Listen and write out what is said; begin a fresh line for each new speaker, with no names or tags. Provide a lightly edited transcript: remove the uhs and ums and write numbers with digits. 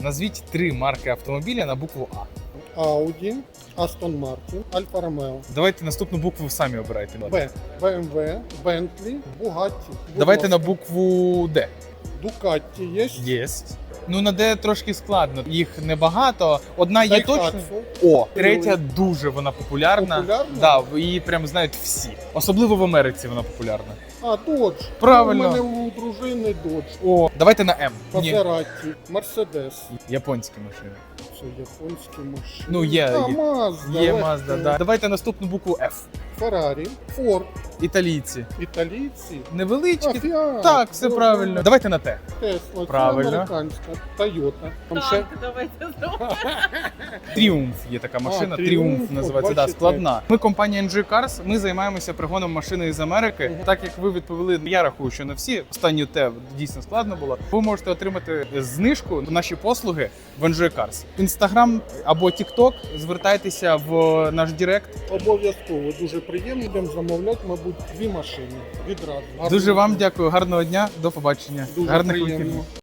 Назвіть 3 марки автомобіля на букву А.
Audi, Aston Martin, Alfa Romeo.
Давайте наступну букву самі обирайте.
Б. BMW, Bentley, Bugatti.
Давайте на букву Д.
Ducati є.
Єсть. Ну, на Д трошки складно. Їх небагато. Одна є точно.
Daihatsu.
О, третя дуже вона популярна.
Популярна?
Да, її прям знають всі. Особливо в Америці вона популярна.
А, Dodge.
Правильно.
У мене у дружини Dodge.
О, давайте на М. Ні,
Maserati, Mercedes.
японські машини.
Це японські машини.
Ну, є,
А,
є.
Mazda.
Є
легко.
Mazda, да. Давайте наступну букву F.
Ferrari, Ford,
Італійці.
італійці.
Невеличкі.
Fiat.
Так, все
Ford,
правильно. Давайте на Т.
Tesla,
Правильно.
це американська. Toyota. Там ще
давайте знову.
Тріумф є така машина.
Тріумф,
Тріумф
от
називається. Да,
бачите.
складна. Ми компанія NG Cars, ми займаємося пригоном машини із Америки. Так як ви відповіли, я рахую, що не всі. Останню Т дійсно складно було. Ви можете отримати знижку на наші послуги в NG Cars. Інстаграм або TikTok, звертайтеся в наш Директ.
обов'язково дуже приємно. Будемо замовляти, мабуть, 2 машини відразу.
Дуже вам дякую, гарного дня, до побачення.
Дуже
Гарних
приємно.
вихідних.